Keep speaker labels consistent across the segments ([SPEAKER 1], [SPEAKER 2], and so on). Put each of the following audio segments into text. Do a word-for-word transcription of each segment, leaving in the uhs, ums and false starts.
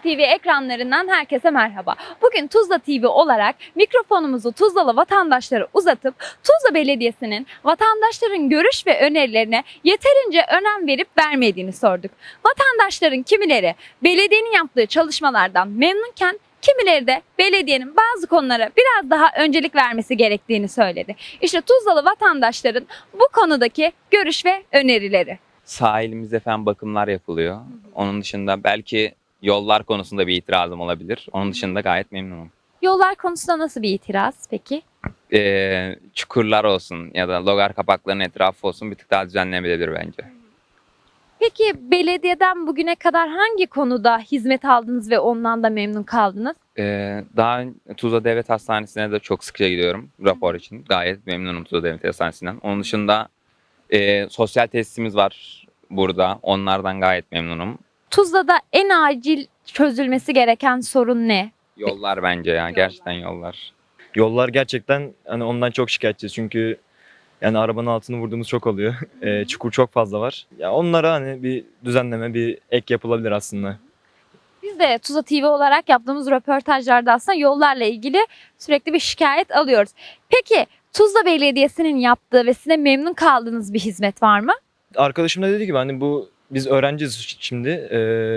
[SPEAKER 1] T V ekranlarından herkese merhaba. Bugün Tuzla T V olarak mikrofonumuzu Tuzlalı vatandaşlara uzatıp Tuzla Belediyesi'nin vatandaşların görüş ve önerilerine yeterince önem verip vermediğini sorduk. Vatandaşların kimileri belediyenin yaptığı çalışmalardan memnunken kimileri de belediyenin bazı konulara biraz daha öncelik vermesi gerektiğini söyledi. İşte Tuzlalı vatandaşların bu konudaki görüş ve önerileri.
[SPEAKER 2] Sahilimizde falan bakımlar yapılıyor. Onun dışında belki yollar konusunda bir itirazım olabilir. Onun dışında gayet memnunum.
[SPEAKER 1] Yollar konusunda nasıl bir itiraz peki?
[SPEAKER 2] Ee, çukurlar olsun ya da logar kapaklarının etrafı olsun bir tık daha düzenlenebilir bence.
[SPEAKER 1] Peki belediyeden bugüne kadar hangi konuda hizmet aldınız ve ondan da memnun kaldınız?
[SPEAKER 2] Ee, daha Tuzla Devlet Hastanesi'ne de çok sıkça gidiyorum rapor için. Gayet memnunum Tuzla Devlet Hastanesi'nden. Onun dışında e, sosyal tesisimiz var burada. Onlardan gayet memnunum.
[SPEAKER 1] Tuzla'da en acil çözülmesi gereken sorun ne?
[SPEAKER 2] Yollar bence ya. Gerçekten yollar.
[SPEAKER 3] Yollar gerçekten hani ondan çok şikayetçiyiz çünkü yani arabanın altını vurduğumuz çok oluyor. E, çukur çok fazla var. Ya onlara hani bir düzenleme, bir ek yapılabilir aslında.
[SPEAKER 1] Biz de Tuzla T V olarak yaptığımız röportajlarda aslında yollarla ilgili sürekli bir şikayet alıyoruz. Peki Tuzla Belediyesi'nin yaptığı ve size memnun kaldığınız bir hizmet var mı?
[SPEAKER 3] Arkadaşım da dedi ki hani bu biz öğrenciyiz şimdi. E,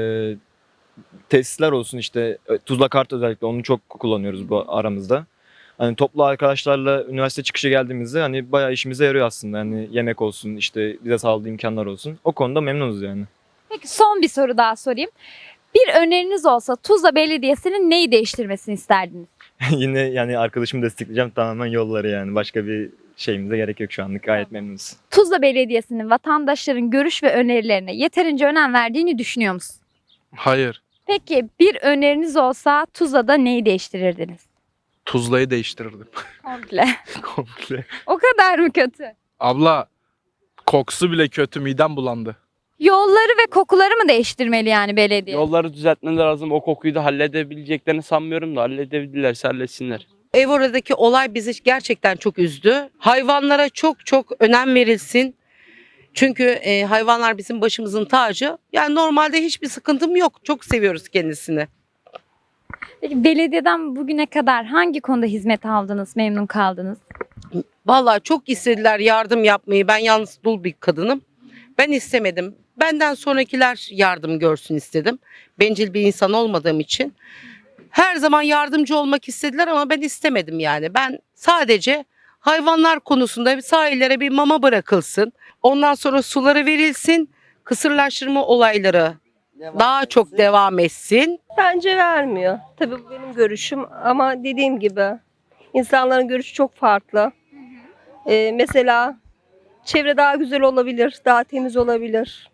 [SPEAKER 3] tesisler olsun işte Tuzla Kart özellikle onu çok kullanıyoruz bu aramızda. Hani toplu arkadaşlarla üniversite çıkışı geldiğimizde hani bayağı işimize yarıyor aslında. Hani yemek olsun işte bize sağladığı imkanlar olsun. O konuda memnunuz yani.
[SPEAKER 1] Peki son bir soru daha sorayım. Bir öneriniz olsa Tuzla Belediyesi'nin neyi değiştirmesini isterdiniz?
[SPEAKER 3] Yine yani arkadaşımı destekleyeceğim tamamen yolları yani. Başka bir şeyimize gerek yok şu anlık. Gayet memnunuz.
[SPEAKER 1] Tuzla Belediyesi'nin vatandaşların görüş ve önerilerine yeterince önem verdiğini düşünüyor musunuz?
[SPEAKER 4] Hayır.
[SPEAKER 1] Peki bir öneriniz olsa Tuzla'da neyi değiştirirdiniz?
[SPEAKER 4] Tuzla'yı değiştirirdim.
[SPEAKER 1] Komple.
[SPEAKER 4] Komple.
[SPEAKER 1] O kadar mı kötü?
[SPEAKER 4] Abla kokusu bile kötü, midem bulandı.
[SPEAKER 1] Yolları ve kokuları mı değiştirmeli yani belediye?
[SPEAKER 5] Yolları düzeltmeleri lazım. O kokuyu da halledebileceklerini sanmıyorum da halledebilirlerse halletsinler.
[SPEAKER 6] Evora'daki olay bizi gerçekten çok üzdü. Hayvanlara çok çok önem verilsin. Çünkü e, hayvanlar bizim başımızın tacı. Yani normalde hiçbir sıkıntım yok. Çok seviyoruz kendisini.
[SPEAKER 1] Peki belediyeden bugüne kadar hangi konuda hizmet aldınız, memnun kaldınız?
[SPEAKER 6] Vallahi çok istediler yardım yapmayı. Ben yalnız dul bir kadınım. Ben istemedim. Benden sonrakiler yardım görsün istedim. Bencil bir insan olmadığım için. Her zaman yardımcı olmak istediler ama ben istemedim yani. Ben sadece hayvanlar konusunda sahillere bir mama bırakılsın. Ondan sonra suları verilsin. Kısırlaştırma olayları daha çok devam etsin.
[SPEAKER 7] Bence vermiyor. Tabii bu benim görüşüm ama dediğim gibi insanların görüşü çok farklı. Ee, mesela çevre daha güzel olabilir, daha temiz olabilir.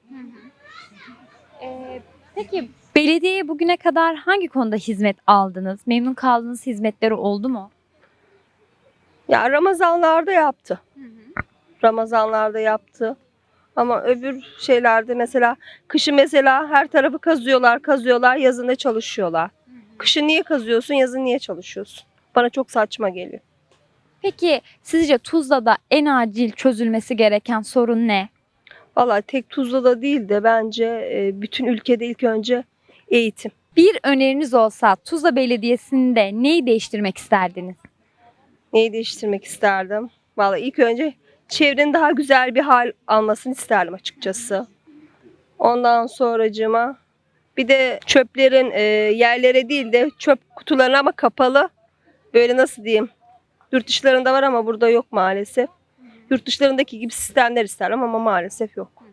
[SPEAKER 1] Ee, peki belediyeye bugüne kadar hangi konuda hizmet aldınız? Memnun kaldığınız hizmetleri oldu mu?
[SPEAKER 7] Ya Ramazanlarda yaptı. Ramazanlarda yaptı. Ama öbür şeylerde mesela kışın mesela her tarafı kazıyorlar, kazıyorlar, yazın da çalışıyorlar. Kışın niye kazıyorsun, yazın niye çalışıyorsun? Bana çok saçma geliyor.
[SPEAKER 1] Peki sizce Tuzla'da en acil çözülmesi gereken sorun ne?
[SPEAKER 7] Vallahi tek Tuzla'da değil de bence e, bütün ülkede ilk önce eğitim.
[SPEAKER 1] Bir öneriniz olsa Tuzla Belediyesi'nde neyi değiştirmek isterdiniz?
[SPEAKER 7] Neyi değiştirmek isterdim? Vallahi ilk önce çevrenin daha güzel bir hal almasını isterdim açıkçası. Ondan sonracığıma bir de çöplerin e, yerlere değil de çöp kutularına ama kapalı. Böyle nasıl diyeyim? Yurt dışlarında var ama burada yok maalesef. Yurt dışlarındaki gibi sistemler isterim ama maalesef yok.